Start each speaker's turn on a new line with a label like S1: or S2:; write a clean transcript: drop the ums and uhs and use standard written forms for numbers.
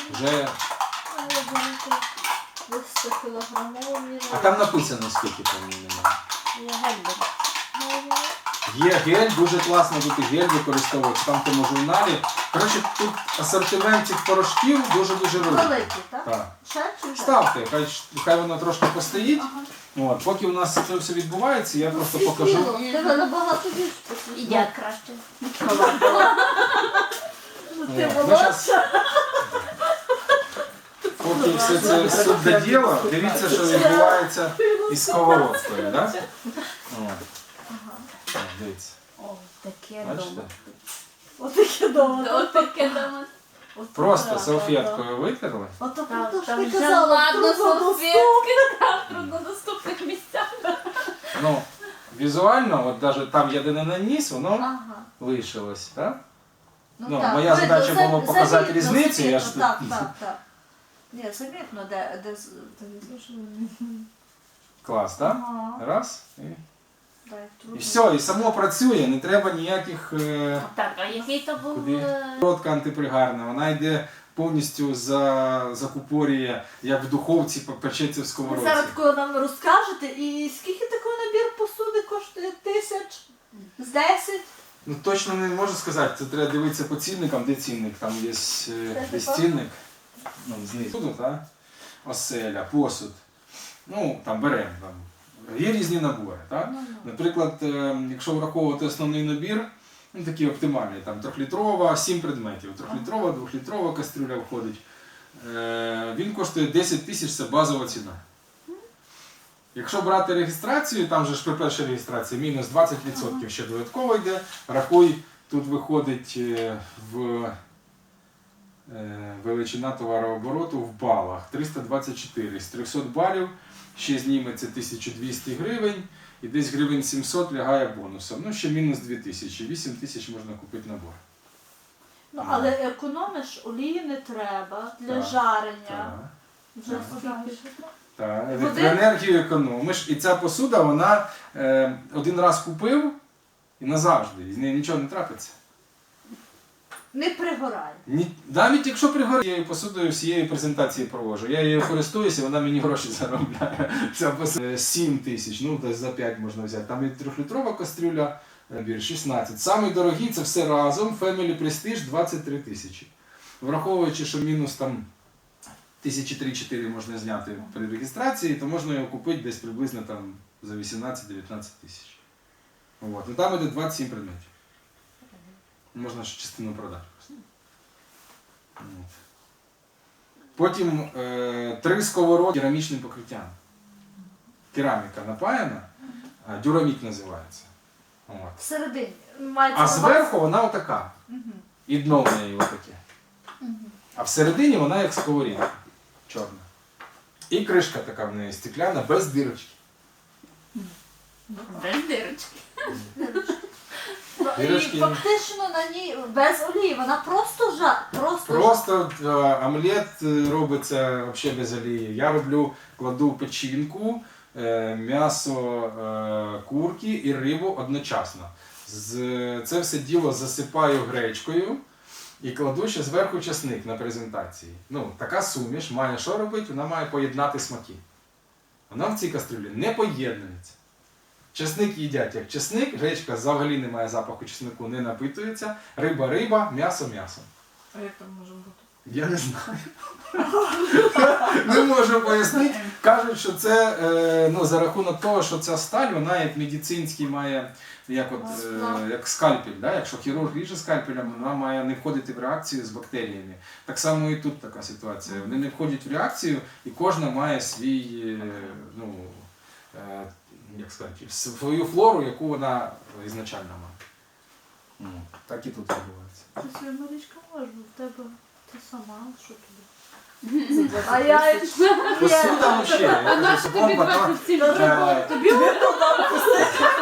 S1: Вже... А там написано, скільки там немає. Є гель, дуже класно тут і гель використовують, там в тому журналі. Коротше, тут асортимент цих порошків дуже-дуже великий.
S2: Великий, так?
S1: Так.
S2: Ще чи вже?
S1: Ставте, хай воно трошки постоїть. От, поки у нас це все відбувається, я просто покажу.
S2: Тебе набагато більше.
S3: Ідять краще.
S2: Ти
S1: От, ми щас,
S2: молодша.
S1: поки все це суть до діла, дивіться, що відбувається із сковородкою. Да? От, дивіться.
S3: О, таке
S1: Бачите?
S3: дома.
S2: Отаке дома.
S3: От таке дома.
S1: Просто салфеткою витерли.
S2: Ото
S3: Там,
S2: про те,
S3: там
S2: що ти
S3: вже
S2: казала,
S3: ладно
S2: труднодоступно.
S3: салфетки, там в труднодоступних місцях.
S1: Ну, візуально, от навіть там я де не наніс, воно
S2: Ага.
S1: лишилось. Так? Ну,
S2: так.
S1: моя
S2: Видно,
S1: задача було показати
S2: замітно,
S1: різницю, я ж
S2: замітно,
S1: тут-
S2: Так. Ні, замітно, де
S1: Клас, так?
S2: Ага.
S1: Раз.
S2: Так,
S1: І
S2: трудно.
S1: все, і само працює, не треба ніяких...
S3: Так, а який то був...
S1: Куди? Сковородка антипригарна, вона йде повністю закупорює, як в духовці печеться в
S2: Ви
S1: сковородці.
S2: зараз такого нам розкажете, і скільки такий набір посуди коштує? 1000? З 10?
S1: Ну точно не можу сказати, це треба дивитися по цінникам, де цінник, там є десь цінник, ну, знизу, тут, так? Оселя, посуд, ну, там беремо, там. Є різні набори, так? Наприклад, якщо враховувати основний набір, ну, такий оптимальний, там 3-літрова, 7 предметів, 3-літрова, 2-літрова кастрюля входить, він коштує 10 тисяч, це базова ціна. Якщо брати реєстрацію, там же ж при першій реєстрації мінус 20% ще додатково йде, рахуй, тут виходить величина товарообороту в балах 324. З 300 балів ще зніметься 1200 гривень і десь гривень 700 лягає бонусом. Ну ще мінус 2000, 8000 можна купити набор.
S2: Ну, але економиш, олії не треба для
S1: Так,
S2: жарення.
S1: Так.
S2: Вже
S1: Так.
S2: скільки?
S1: Так,
S2: Води?
S1: електроенергію економиш. І ця посуда, вона один раз купив і назавжди, з нею нічого не трапиться.
S2: Не пригорає.
S1: Навіть якщо пригорить, я її посудою всієї презентації провожу. Я її користуюся, вона мені гроші заробляє. Ця посуда 7 тисяч, ну десь за 5 можна взяти. Там і 3-літрова кастрюля, набір 16. Самий дорогий це все разом, Family Prestige 23 тисячі. Враховуючи, що мінус там 1003-4 можна зняти при реєстрації, то можна його купити десь приблизно там за 18-19 тисяч. От. Ну, там іде 27 предметів. Можна ще частину продати. От. Потім 3 сковороди керамічним покриттям. Кераміка напаяна, дюрамік називається. От.
S2: Всередині. Мається
S1: А
S2: на увазі-
S1: зверху вона отака. І дно в неї отаке. А всередині вона як сковорідка. Чорна. І кришка така в неї стекляна, без дирочки.
S3: Без дирочки.
S1: Дірочки.
S2: І фактично на ній без олії, вона просто
S1: Просто омлет робиться взагалі без олії. Я кладу печінку, м'ясо курки і рибу одночасно. Це все діло засипаю гречкою і кладу ще зверху часник на презентації. Ну, така суміш має що робити? Вона має поєднати смаки. Вона в цій кастрюлі не поєднується. Чесник їдять як чесник, гречка взагалі не має запаху чеснику, не напитується. Риба – риба, м'ясо – м'ясо.
S2: А як там може бути?
S1: Я не знаю. Не можу пояснити. Кажуть, що це за рахунок того, що ця сталь, вона як медицинський має, як скальпель. Да? Якщо хірург ріже скальпелем, вона має не входити в реакцію з бактеріями. Так само і тут така ситуація. Вони не входять в реакцію, і кожна має свій, свою флору, яку вона ізначально має. Так і тут відбувається.
S2: Це своя Марічка може, в тебе ти сама, що тобі? А я...
S1: Посуда взагалі.
S3: Вона ж тобі 27 років.
S2: Тобі